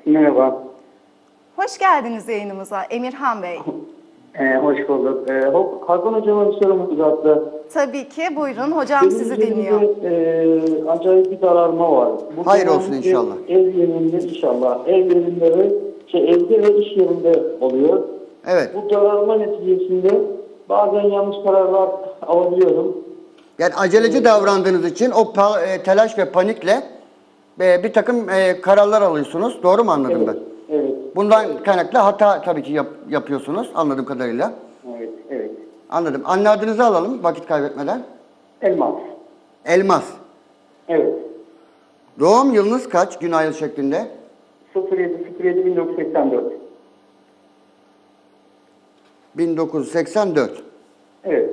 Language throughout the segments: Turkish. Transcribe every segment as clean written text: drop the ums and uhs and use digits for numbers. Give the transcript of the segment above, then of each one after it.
Merhaba. Hoş geldiniz yayınımıza Emirhan Bey. Hoş bulduk. Hakan Hocam'a bir sorumuz vardı. Tabii ki buyurun hocam Benim sizi dinliyor. üzerimde acayip bir daralma var. Bu Hayır genellikle olsun inşallah. Ev yerinde inşallah. Ev yerinde ve evde ve iş yerinde oluyor. Evet. Bu daralma neticesinde bazen yanlış kararlar alabiliyorum. Yani aceleci davrandığınız için o telaş ve panikle bir takım kararlar alıyorsunuz. Doğru mu anladım ben? Evet. Bundan kaynaklı hata tabii ki yapıyorsunuz anladığım kadarıyla. Evet. Evet. Anladım. Anne adınızı alalım vakit kaybetmeden. Elmas. Elmas. Evet. Doğum yılınız kaç gün ay yıl şeklinde? 07.07.1984. 1984. Evet.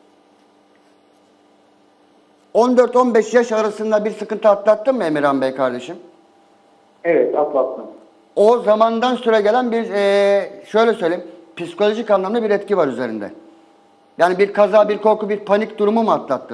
14-15 yaş arasında bir sıkıntı atlattın mı Emirhan Bey kardeşim? Evet, atlattım. O zamandan süre gelen bir şöyle söyleyeyim psikolojik anlamda bir etki var üzerinde. Yani bir kaza, bir korku, bir panik durumu mu atlattın?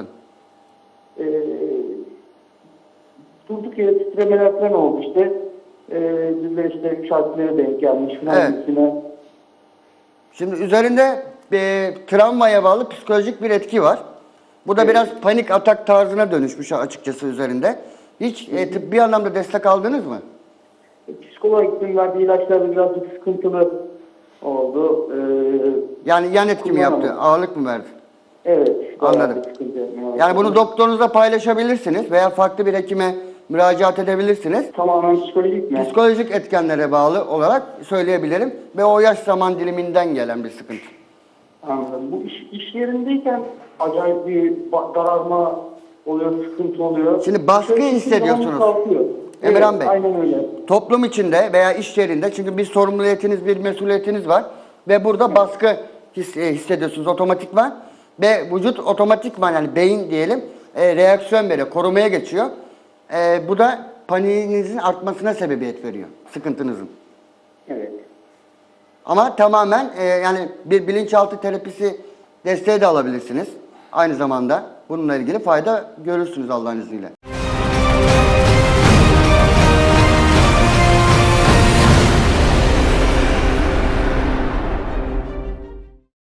Durduk yere titremeler falan oldu işte. Bizler işte şarkılara denk gelmiş falan Evet. gibisine. Şimdi üzerinde travmaya bağlı psikolojik bir etki var. Bu da Evet. biraz panik atak tarzına dönüşmüş açıkçası üzerinde. Hiç tıbbi anlamda destek aldınız mı? Psikoloğa gittim, verdiği ilaçlar birazcık sıkıntılı oldu. Yani yan etki mi yaptı? Kullanamadım. Ağırlık mı verdi? Evet. bayağı Anladım. bir sıkıntı yapmaya Yani bunu başladı. doktorunuzla paylaşabilirsiniz veya farklı bir hekime müracaat edebilirsiniz. Tamamen psikolojik mi? Psikolojik etkenlere bağlı olarak söyleyebilirim ve o yaş zaman diliminden gelen bir sıkıntı. Anladım. Bu iş yerindeyken acayip bir daralma oluyor, sıkıntı oluyor. Şimdi baskı Şöyle hissediyorsunuz. zaman kalkıyor. Emirhan Evet, Bey. aynen öyle. Toplum içinde veya iş yerinde çünkü bir sorumluliyetiniz, bir mesuliyetiniz var ve burada baskı hissediyorsunuz otomatikman ve vücut otomatikman yani beyin diyelim reaksiyon veriyor, korumaya geçiyor. Bu da paniğinizin artmasına sebebiyet veriyor, sıkıntınızın. Evet. Ama tamamen yani bir bilinçaltı terapisi desteği de alabilirsiniz. Aynı zamanda bununla ilgili fayda görürsünüz Allah'ın izniyle.